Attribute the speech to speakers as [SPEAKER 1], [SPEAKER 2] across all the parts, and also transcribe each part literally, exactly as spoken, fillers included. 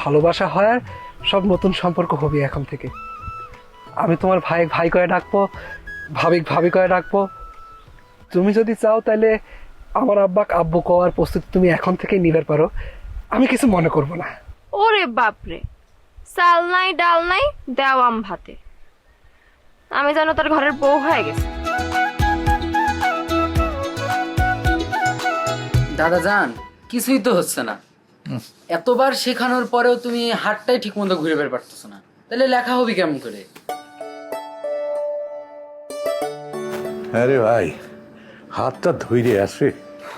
[SPEAKER 1] ভালোবাসা হয় আর সব নতুন সম্পর্ক হবে এখন থেকে। আমি তোমার ভাই ভাই করে ডাকবো, ভাবিক ভাবি করে ডাকবো। তুমি যদি চাও তাহলে আমার আব্বাক আব্বু কওয়ার প্রস্তুতি তুমি এখন থেকেই নিবার পারো, আমি কিছু মনে করব না।
[SPEAKER 2] ওরে বাপরে, চাল নাই ডাল নাই দেওয়াম ভাতে, আমি যেন তার ঘরের বউ হয়ে গেছে।
[SPEAKER 3] দাদা জান, কিছুই তো হচ্ছে না। এতবার শেখানোর পরেও তুমি হাতটাই ঠিক মতো ঘুরে বের পারতেছো না, তাহলে লেখা হবে কেমন করে?
[SPEAKER 4] আরে ভাই, হাতটা ধৈর্য আসে।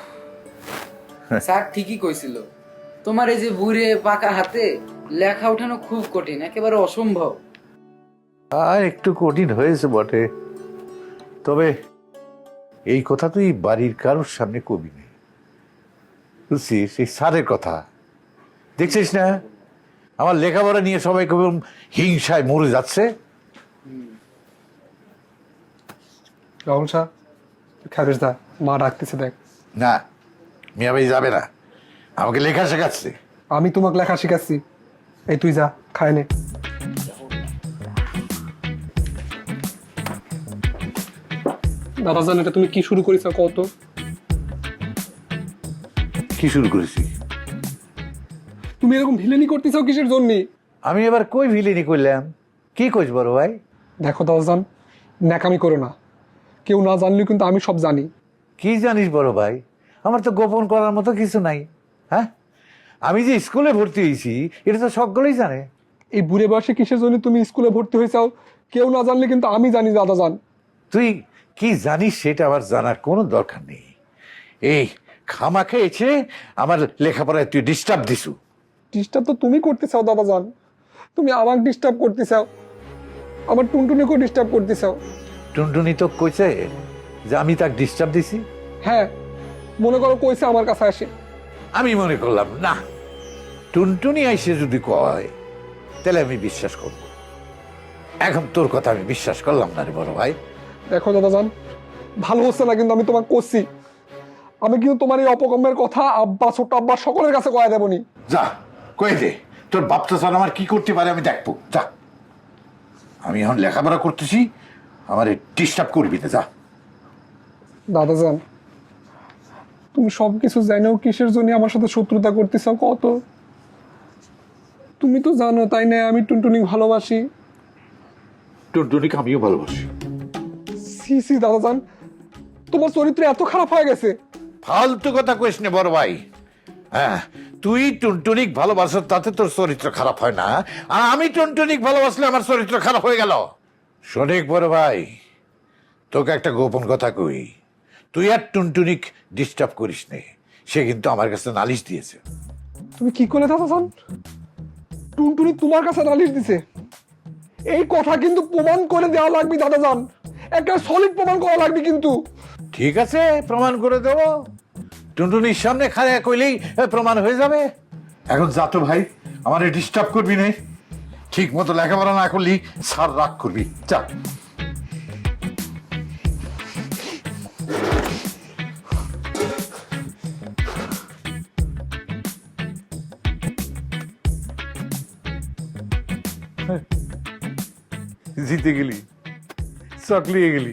[SPEAKER 3] স্যার ঠিকই কইছিল, তোমার এই যে বুড়ে পাকা হাতে লেখা উঠানো খুব কঠিন, একেবারে অসম্ভব।
[SPEAKER 4] আর একটু কঠিন হয়েছে বটে, তবে এই কথা তুই বাড়ির কারোর সামনে কবি নেই, বুঝছিস? এই স্যারের কথা দেখছিস না, আমার লেখাপড়া নিয়ে সবাই কেমন হিংসায় মরে যাচ্ছে।
[SPEAKER 1] রাহুল শাহ, খাবিস দা, মা ডাকতেছে দেখ।
[SPEAKER 4] না, মিয়া ভাই যাবে না, আমাকে লেখা শেখাচ্ছে।
[SPEAKER 1] আমি তোমাকে লেখা শিখাচ্ছি, এই তুই যা খায় নে। দাদা জান, এটা তুমি কি শুরু করেছ কত?
[SPEAKER 4] কি শুরু করেছি?
[SPEAKER 1] তুমি এরকম ভিলেনি করতেছ কিসের জন্য?
[SPEAKER 4] আমি এবার কই ভিলেনি করলাম? কি কইস বড় ভাই?
[SPEAKER 1] দেখো দাদা জান, ন্যাকামি করো না, কেউ না জানলেও কিন্তু আমি সব জানি।
[SPEAKER 4] কি জানিস বড় ভাই? আমার তো গোপন করার মতো কিছু নাই। হ্যাঁ, আমি যে স্কুলে ভর্তি হয়েছি এটা তো সকলেই জানে।
[SPEAKER 1] এই বুড়ে বয়সে কিসের জন্য তুমি স্কুলে ভর্তি হয়েছাও কেউ না জানলে কিন্তু আমি জানি দাদা জান।
[SPEAKER 4] তুই কি জানিস সেটা আমার জানার কোনো দরকার নেই। এই খামাখে এসে আমার লেখাপড়ায় তুই ডিস্টার্ব দিছু।
[SPEAKER 1] ডিস্টার্ব তো তুমি করতে চাও দাদা জান, তুমি আমাকে ডিস্টার্ব করতে চাও, আমার টুনটুনিকেও ডিস্টার্ব করতে চাও।
[SPEAKER 4] টুনটুনি তো কইছে যে আমি তাকে ডিস্টার্ব দিছি।
[SPEAKER 1] হ্যাঁ, মনে করো কইছে আমার কাছে আসে।
[SPEAKER 4] আমি মনে করলাম না, টুনটুনি আইসে যদি কয় তাহলে আমি বিশ্বাস করব। এখন তোর কথা আমি বিশ্বাস করলাম না রে বড় ভাই।
[SPEAKER 1] দেখো দাদা জান, ভালো হচ্ছে না কিন্তু আমি তোমাকে করছি। আমি কিন্তু তোমার এই অপকর্মের কথা আব্বা ছোট আব্বা সকলের কাছে কয়ে দেবনি।
[SPEAKER 4] যা কয়ে দে, তোর বাপটা স্যার আমার কি করতে পারে আমি দেখবো। যা, আমি এখন লেখাপড়া করতেছি, আমার ডিস্টার্ব করবি না। যা।
[SPEAKER 1] দাদা জান, তুমি সব কিছু জানো কিসের জন্য আমার সাথে শত্রুতা করতেছ কত? তুমি তো জানো তাই না আমি টুনটুনি ভালোবাসি।
[SPEAKER 4] টুনটুনিকে আমিও ভালোবাসি।
[SPEAKER 1] সি সি দাদা জান, তোমার চরিত্র এত খারাপ হয়ে গেছে।
[SPEAKER 4] ফালতু কথা কইস না বড় ভাই। হ্যাঁ, তুই টুনটুনিক ভালোবাসো তাতে তোর চরিত্র খারাপ হয় না, আর আমি টুনটুনিক ভালোবাসলে আমার চরিত্র খারাপ হয়ে গেল। শোনেক বড় ভাই, তোকে একটা গোপন কথা কই, তুই আর টুনটুনিক ডিস্টার্ব করিস নে। সে কিন্তু আমার কাছে নালিশ দিয়েছে।
[SPEAKER 1] তুমি কি করলে দাদা জান? টুনটুনি তোমার কাছে নালিশ দিছে? এই কথা কিন্তু প্রমাণ করে দেওয়া লাগবে দাদা জান, একটা সলিড প্রমাণ করা লাগবে কিন্তু।
[SPEAKER 4] ঠিক আছে, প্রমাণ করে দেবো। টুনটুনির সামনে খাড়া কইলেই প্রমাণ হয়ে যাবে। এখন যা তো ভাই, আমার ডিস্টার্ব করবি না। ঠিক মতো লেখাপড়া না করলি স্যার রাগ করবি। যা। জিতে গেলি, চকলিয়ে গেলি।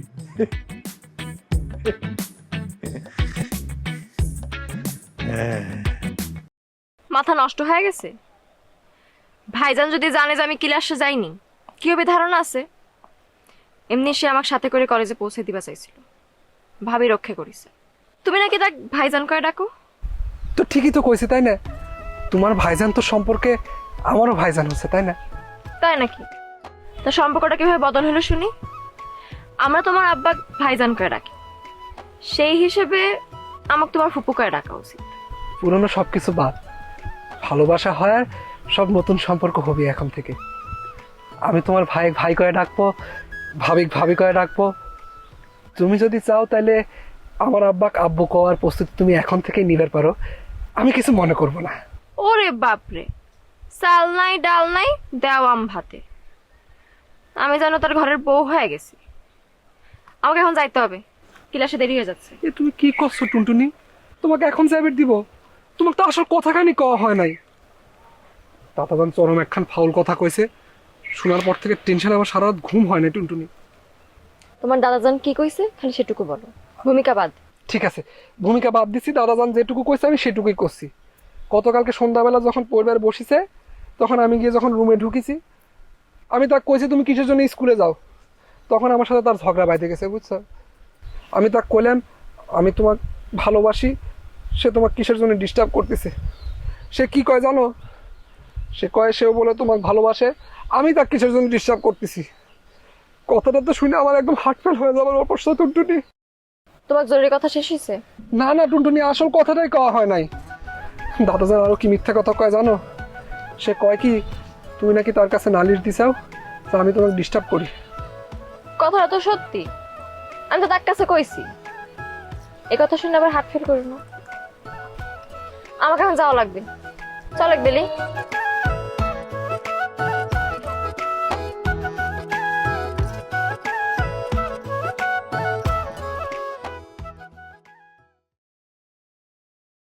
[SPEAKER 2] মাথা নষ্ট হয়ে গেছে? ভাইজান যদি জানে যে আমি ক্লাসে যাইনি, কি হবে ধারণা আছে? এমনি সে আমাকে সাথে করে কলেজে পৌঁছে দিবা চাইছিল, ভাবি রক্ষা করিছে। তুমি নাকি তাক ভাইজান করে ডাকো?
[SPEAKER 1] তো ঠিকই তো কইছে তাই না, তোমার ভাইজান তো সম্পর্কে আমারও ভাইজান হচ্ছে তাই না?
[SPEAKER 2] তাই নাকি? তা সম্পর্কটা কিভাবে বদল হলো শুনি। আমরা তোমার আব্বা ভাইজান করে ডাকি, সেই হিসেবে আমাকে তোমার ফুপু করে ডাকা উচিত।
[SPEAKER 1] পুরনো সবকিছু বাদ, ভালোবাসা হয় আর সব নতুন সম্পর্ক হবে এখন থেকে। আমি তোমার ভাই ভাই করে ডাকবো, ভাবিক ভাবি করে ডাকবো। তুমি যদি চাও তাহলে আমার আব্বাক আব্বু কওয়ার প্রস্তুতি তুমি এখন থেকেই নিবার পারো, আমি কিছু মনে করব না।
[SPEAKER 2] ওরে বাপরে, চাল নাই ডাল নাই দেওয়াম ভাতে, আমি যেন তার ঘরের বউ হয়ে গেছি। আমাকে এখন যাইতে হবে, ক্লাসে দেরি হয়ে যাচ্ছে।
[SPEAKER 1] এ তুমি কি করছো টুনটুনি? তোমাকে এখন যাবে দিব? তোমাকে তো আসল কথাখানি কওয়া হয় নাই। দাদাজান চরম একখান ফাউল কথা কইছে, শোনার পর থেকে টেনশন আমার সারা রাত ঘুম হয় না টুনটুনি।
[SPEAKER 2] তোমার দাদাজান কি কইছে খালি সেটুকু বলো, ভূমিকা বাদ।
[SPEAKER 1] ঠিক আছে, ভূমিকা বাদ দিছি, দাদাজান যেটুকু কইছে আমি সেটুকুই করছি। গতকালকে সন্ধ্যাবেলা যখন পরিবার বসিছে, তখন আমি গিয়ে যখন রুমে ঢুকিছি, আমি তাকে কইছি তুমি কিসের জন্য স্কুলে যাও, তখন আমার সাথে তার ঝগড়া বাইতে গেছে, বুঝছো? আমি তাকে কইলাম আমি তোমাকে ভালোবাসি, সে তোমাকে কিসের জন্য ডিস্টার্ব করতেছে। সে কি কয় জানো? সে কয় সেও বলে তোমাকে ভালোবাসে, আমি তাকে কিসের জন্য ডিস্টার্ব করতেছি। কথাটা তো শুনে আমার একদম হার্ট ফেল হয়ে যাবার অবস্থা টুনটুনি।
[SPEAKER 2] তোমার জরুরি কথা শেষ হয়েছে?
[SPEAKER 1] না না টুনটুনি, আসল কথাটাই কওয়া হয় নাই। দাদাজান আরো কি মিথ্যা কথা কয় জানো? সে কয় কি তুমি নাকি তার কাছে নালিশ দিছাও যে আমি তোমাকে ডিস্টার্ব করি।
[SPEAKER 2] কথাটা তো সত্যি, আমি তো তার কাছে কইছি। এই কথা শুনে আবার হার্ট ফেল করি না। আমাকে এখন যাওয়া লাগবে, চল এক বেলি।